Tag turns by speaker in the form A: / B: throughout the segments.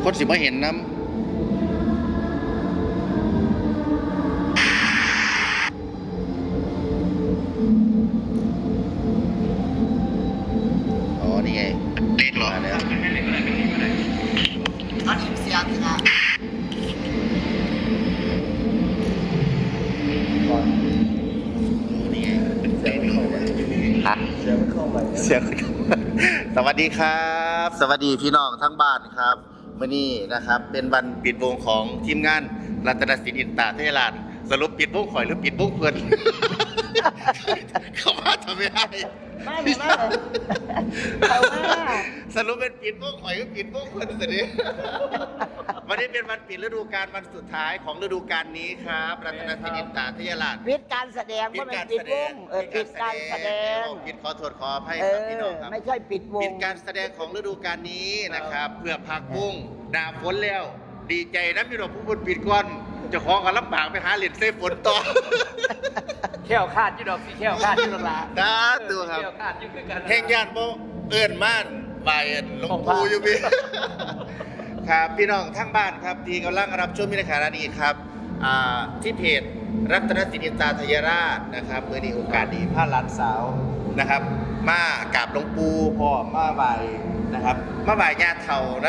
A: คนสิบ่เห็นน้ำอ๋อนี่ไงเลขหรอแล้ว
B: อันนี้เสียงสิครับ
A: นี่ไงเสียงเข้าไปเสียงเข้าไปสวัสดีครับ สวัสดีพี่น้องทั้งบ้านครับวันนี้นะครับเป็นวันปิดวงของทีมงานรัตนศิลป์อินตาเทลานสรุปปิดวงข่อยหรือปิดวงเพื่อน เขาว่าทำไม่ได้
B: ไม่เขาว่า
A: สรุปเป็นปิดวงข่อยหรือปิดวงเพื่อนสิวันนี้เป็นวันปิดฤดูกาลวันสุดท้ายของฤดูกาลนี้ครับรัตนศิลป์อินตาเทลาน
B: ปิดการแสดงว่ามันปิดวงปิดการแสดง
A: ปิดขอโทษขออภัยครับพี่น้องครับ
B: ไม่ใช่ปิดวง
A: ปิดการแสดงของฤดูกาลนี้นะครับเพื่อพักบุ้งหนาฝนแล้วดีใจนะพี่น้องผู้บนปิดก่อนจะขอกันลำบากไปหาเหรียญเซฟฝนต่อ
C: แค่วคาดยี่ดอกสีแค่วคาดยี่ดอกละ
A: นะตัวครับ
C: แค่วคาดยี่คือกัน
A: แห่งย่านโบเอิญม่านใบหลวงปู่อยู่พี่ครับพี่น้องทั้งบ้านครับที่กำลังรับชมมิตรขณะนี้ครับที่เพจรัตนศิลป์อินตาทยราชนะครับเมื่อนี้โอกาสดีพาหลานสาวนะครับมากราบหลวงปู่พ่อมาไหวนะครับมาไหวญาติเถ่านะ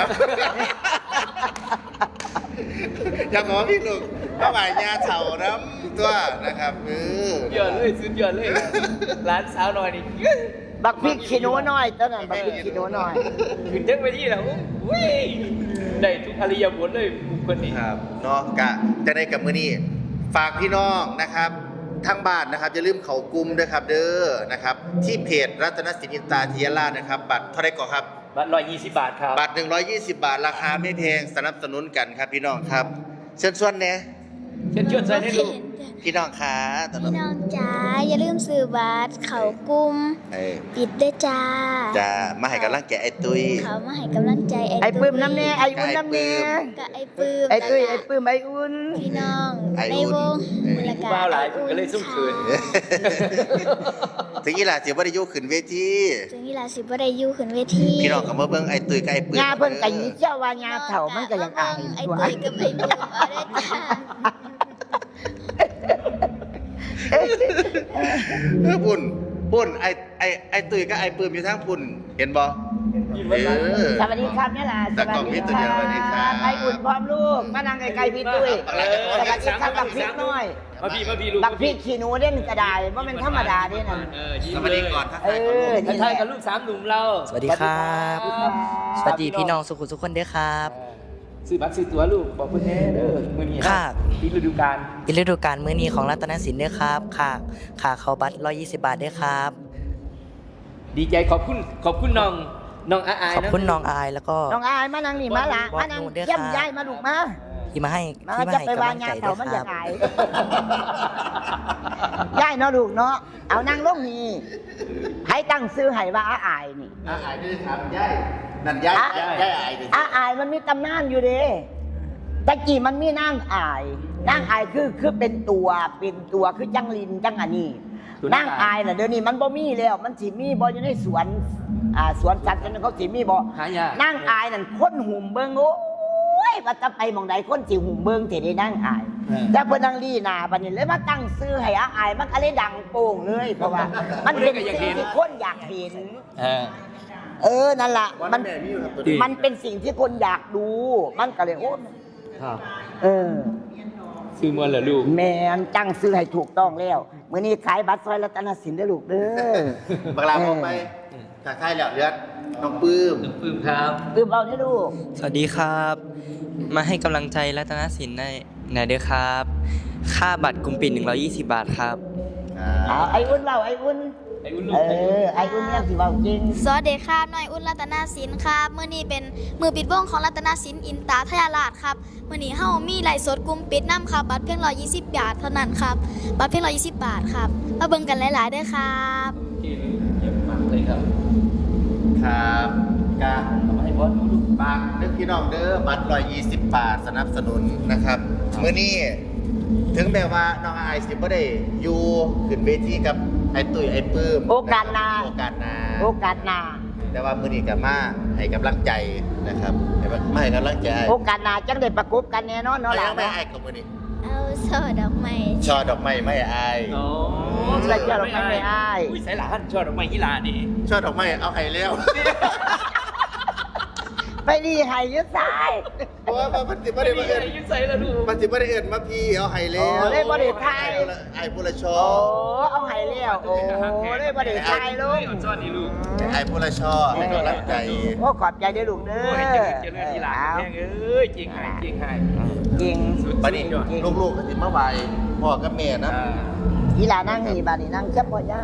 A: อยากบอกว่าพี่ลูกมาไหวญาติเถ่านะตัวนะครับ
C: เยอะเลยสุดยอดเลยร้านสาวหน่อยนี่
B: บักพริกขี้หนูน้อยตอนนั้นบักพริกขี้หนูน้อย
C: ขึ้นเด้งไปที่แล้วอุ้ยได้ทุกอริยบทเลยบุคคลนี้
A: ครับเนาะกะจะได้กับมื้อนี้ฝากพี่น้องนะครับทั้งบ้านนะครับอย่าลืมเขากลุ่มด้วยครับเด้อนะครับที่เพจรัตนศิลป์อินตาทยราชนะครับบัตรเท่าไรก่อนครับ
C: บัตร120 บาทครับ
A: บัตร120 บาทราคาไม่แพงสนับสนุนกันครับพี่น้องครับเชิญชวนเนี่ย
C: เชิญชวนใส่ให้ดู
A: พี่น้องค่ะ
D: พี่น้องจ๋าอย่าลืมซื้อบัตรเขากุมปิดด้วยจ้า
A: มาให้กำลังใจไอ้ตุ้ย
D: เขามาให้กำลังใจ
B: ไอ้ปื้มน้ำเน่ไอ้อุ่นน้ำเน่
D: กับไอ้ปื้ม
B: ไอ้ตุ้ยไอ้ปื้มไอ้อุ่น
D: พี่น้องในวง
C: มูลค่าบ้าหลายก็เลยสุ่มคืน
A: ถึงอีหล่าสิบ่ได้อยู่ขึ้นเวที
D: ถึงอีหล่าสิบ่ได้อยู่ขึ้นเวที
A: พี่น้องก็มาเบิ่งไอ้ตุ้ยกับไอ้ปื้ม
B: ญาเพิ่นก็ยิเจ้าว่าญาเฒ่ามันก็ยังอาย
D: ไอ้ตุ้ยกับไอ้ปื้มเอาได้จ้า
A: ปุ่นไอ้ตุ้ยกับไอ้ปื้มอยู่ทางปุ่นเห็นบ่
B: สวัสดีครับเนี่ยล่ะ
A: สวัสดีครับ
B: ไอ้อุ่นพร้อมลูกมานั่งไกลๆพี่ตุ้ยสวัสดีครับบักพริกน้อย
C: มาพี่ลูก
B: บักพริกขี้หนูเด่นกระดาษว่ามันธรรมดาเด่นน่ะ
A: สวัสดีก่อนทัก
C: ทายกับลูก3หนุ่มเรา
E: สวัสดีครับสวัสดีพี่น้องสุขุมทุกคนด้วยครับ
C: ซื้อบัตรซื้อตั๋วลูกบอกเพื่อนแน่เด้อมื้อนี้
E: ครับ
C: ปิดฤดูกาล
E: มื้อนี้ของรัตนศิลป์ด้วยครับค่าเข้าบัตร120 บาทด้วยครับ
C: ดีใจขอบคุณน้องอาย
E: ขอบคุณน้องอายแล้วก็
B: น้องอายมานั่งนี่มาละมานั่งเยี่ยมยายมาลูกมา
E: ที่มาให้
B: กำลังใจด้วยครับยายเนาะลูกเนาะเอานั่งลงนี่ให้ตั้งซื้อให้ว่าอายนี่
A: อายด้วยครับยายนั่นยาย
B: อายมันมีตำนานอยู่เด้ตะกี้มันมีนางอายคือเป็นตัวคือจังลินจังอันนี้นางอายน่ะเดี๋ยวนี้มันบ่มีแล้วมันสิมีบ่อยู่ในสวนสัตว์เขาสิมีบ่นางอายนั่นคนหุ่มเบิ่งโอ้ยว่าจะไปหม่องใดคนสิหุ่มเบิ่งสิได้นางอายแต่เพิ่นนางลีนาบัดนี้เลยมาตั้งชื่อให้อายมันก็เลยดังโป่งเลยเพราะว่ามันเป็นสิ่งที่คนอยากเห็นนั่นล่ะมันเป็นสิ่งที่คนอยากดูมันก็เลยโอ้
C: ซื้อมวนเหรอลูก
B: แม่นจังซื้อให้ถูกต้องแล้วมื้อนี้ขายบัตรซอยรัตนศิลป์เด้อลูกเด้อ
A: บักลาออกไปจากค่ายแล้วเลือดน้องปื้ม
C: ครับ
B: ปื้มเอาเด้อลูก
E: สวัสดีครับมาให้กำลังใจรัตนศิลป์ได้ไหนเด้อครับค่าบัตรกลุ่มปิด120 บาทครับ
B: ไอ้อุ่นเล่าไอ้อุ่นไอ้อุ่นเนี่ยสิเว้าจริง
D: สวัสดีครับน้อยอุ่นรัตนศิลป์ครับมื้อนี้เป็นมือปิดวงของรัตนศิลป์อินตาทยราชครับมื้อนี้เฮามีไลฟ์สดกลุ่มปิดนำครับบัตรเพียง120 บาทเท่านั้นครับบัตรเพียง120 บาทครับมาเบิ่งกันหลายๆเด้อครับ
C: เยี่ยมมากเลยครับ
A: กะให้บอสดูบางนึกพี่น้องเด้อบัตร120 บาทสนับสนุนนะครับมื้อนี้ถึงแม้ว่าน้องอายสิบ่ได้อยู่ขึ้นเวทีกับไอ้ตุ้ยไอ้ปื้ม
B: โอกาสหน้า
A: แต่ว่ามื้อนี้ก็มาให้กำลังใจนะครับมาให้กำลังใจ
B: โอกาสหน้าจังได้ประกบกันแน่นอน
A: เอา
B: เนาะห
A: ยั
B: ล่ะ
A: งไม่
B: เนาะ
A: อายกับมื้อนี้
D: เอาโซ่ดอกไม้
A: ช่อดอกไม้ไม่อาย
C: อ๋อ
B: ใส่เสื้อดอกไม้ไม่อาย
C: อุ้ยใส่หลานชอบดอกไม้ยี่หลานี่
A: ช่อดอกไม้เอาให้แล้ว
B: ไปดีให้ยึดสาย
A: เพราะว่ามันสิบ่
C: ไม่
A: ได้
C: มี
A: มา
C: อะ
A: เอิ้
C: ไร
A: น
C: ยุ่ใส่แล้วลูก
A: มันสิบ่ได้เอิ้นมาพี่เอาให้แล้ว
B: โอ้ได้บ่ได้ทาย
A: ไอ้ผู้ละช่อ
B: โอ้เอาให้แล้วโอ้ได้บ่ได้ทายลูก
C: อ่อนซ้อนนี่ลูก
A: ไอ้ผู้ละช่อให้กำลังใจ
B: โอ้ขอบใจเด้อลูกเด้
C: โอ้
B: อย
C: เจริญที่หลานแม่งเอ้ยจริงหายจริงหาย
B: จริง
A: บัดนี้ลูกๆก็สิมาไหว้พ่อกับแม่นะ
B: อีหลานั่งนี่บาดนี้นั่งจับบ่ย่า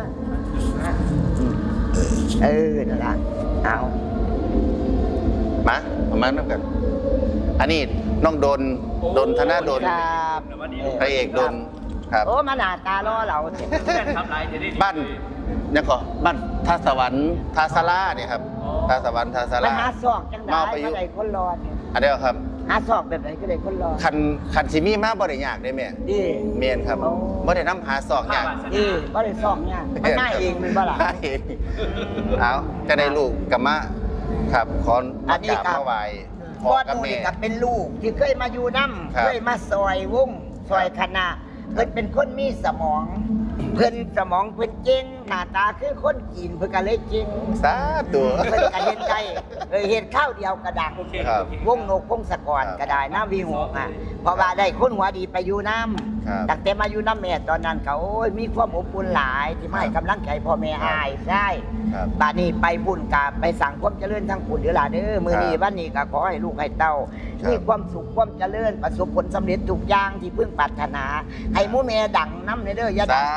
B: นั่นล่ะเอา
A: มาประมาณนั้นกัน อันนี้น้องดนธนาดน
B: ครับ
A: พระเอกดนครับ
B: โอ้มาหน้าตารอเรา
C: เพื่อนทำลายจะได้ดี
A: บ้านเนี่ยก็บ้านทาสวรรค์ทาสลาเนี่ยครับทาสวรรค์ทาส
B: ไป
A: ลา
B: หาซอกจังได้
A: มาประยุ
B: มาก
A: ต์
B: ได้คนรอเนี่ย
A: อันเดียวครับ
B: หาซอกแบบไหนก็ได้คนรอ
A: คันสิมีมาบ่ได้ยากได้แม่
B: ดี
A: เมนครับ
B: โอ้
A: บ่ได้น้ำหาซอกยาก
B: ดีบ่ได้ซอกเนี่ยมันง่ายเองมันบ่ล่ะ
A: ใช่เอาจะได้ลูกกับมะครับขอ
B: อันนี้
A: กราบ
B: ครับ
A: มาไหว้พ่
B: พ่
A: อ
B: อ
A: กับ
B: หนู
A: แม่
B: นี่ก็เป็นลูกที่เคยมาอยู่น้
A: ครับ
B: ำเคยมาซอยวงซอยคณะเพิ่นเป็นคนมีสมอง เพิ่นสมองเพิ่นเก่งหน้าตาคือคนจีนเพิ่นก็เลยเก่ง
A: สาธุ
B: เพิ่นก็เห็นใจเห็นข้าวเดียวกระดัง
A: ครับ
B: วงนกพงศกรก็ได้น้ำวีหกอ่ะเพราะว่าได้คนหัวดีไปอยู่น้
A: ครับ
B: ำตั้งแต่มาอยู่น้ำแม่ตอนนั้นเขาโอ้ยมีความอบอุ่นหลายที่มาให้กำลังใจพ่อแม่อายใช่
A: ครับ
B: บ้านนี้ไปบุญกาไปสั่งความเจริญทั้งปุ่นเดือหลาเด้อมือนี้
A: ครับ
B: บ้านนี้ก็ขอให้ลูกให้เต้า
A: ครับ
B: มีความสุขความเจริญประสบผลสำเร็จทุกอย่างที่เพิ่งปรารถนา ให้หมูแม่ดังน้ำเด้ออย่าดั
A: สาง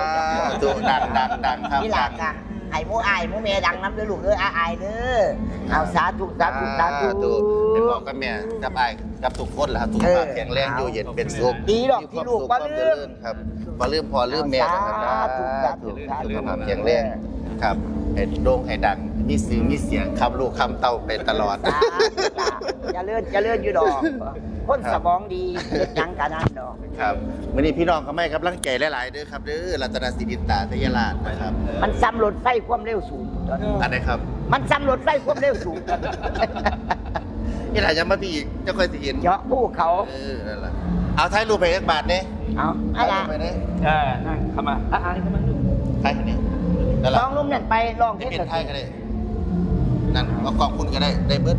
A: ธุดังครับ
B: นี่หลักอ่ะให้หมูอายหมูแม่ดังน้ำเด้อลูกเด้ออายเด้อเอาสาธุสาธุสาธุ
A: เป็นบอกกับแม่กับไอ้ายกับทุกคนแหละครับทุกภาพแข็งแรงอยู่เย็นเป็นสุข
B: ดีดอกที่ลูกบ่ลืม
A: ครับบ่ลืมพอลืมแม่นะครับ
B: สาธุสาธุ
A: สุขภาพแข็งแรงครับให้โด่งให้ดังมีสื่อมีเสียงคำลูกคำเต้าไปตลอด
B: สาธุจ้ะเจริญอยู่ดอกคนสมองดีเฮ็ดหยังกันนั่นดอก
A: ครับวันนี้พี่น้องเขาไม่กำลังใจหลายๆเด้อครับเด้อรัตนศิรินตาทยราชนะครับ
B: มันซ้ำรถไฟความเร็วสูงตอนนี้
A: อันไหนครับ
B: มันซ้ำรถไฟความเร็วสูงตอนนี้
A: นี่หลายยังมาพี่อีกจะค่อยสิเห็น
B: เจาะภูเขา
A: นั่นแหละเอาถ่ายรูปไปอีกบาทเนี่ย
B: เอาอะ
A: ถ่าย
B: ไร
A: รูปไปเนี่ย
C: นั่งเข้ามาอ่านเข้ามาลูก
A: ถ่ายคนนี้นั่นแห
B: ล
A: ละ
B: องนุ่มนั่นไปลอง
A: ได้
B: เทศ
A: เป็นไทยก็ได้นั่นเอากองคุณก็ได้ได้เบิด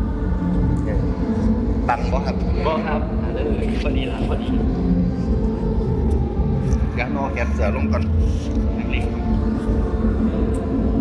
A: ตังค์บ่ครับ
C: บอกครับเลยพอดีละพอดี
A: ยักษ์นอแกนเสือลงก่อน
C: นักเลง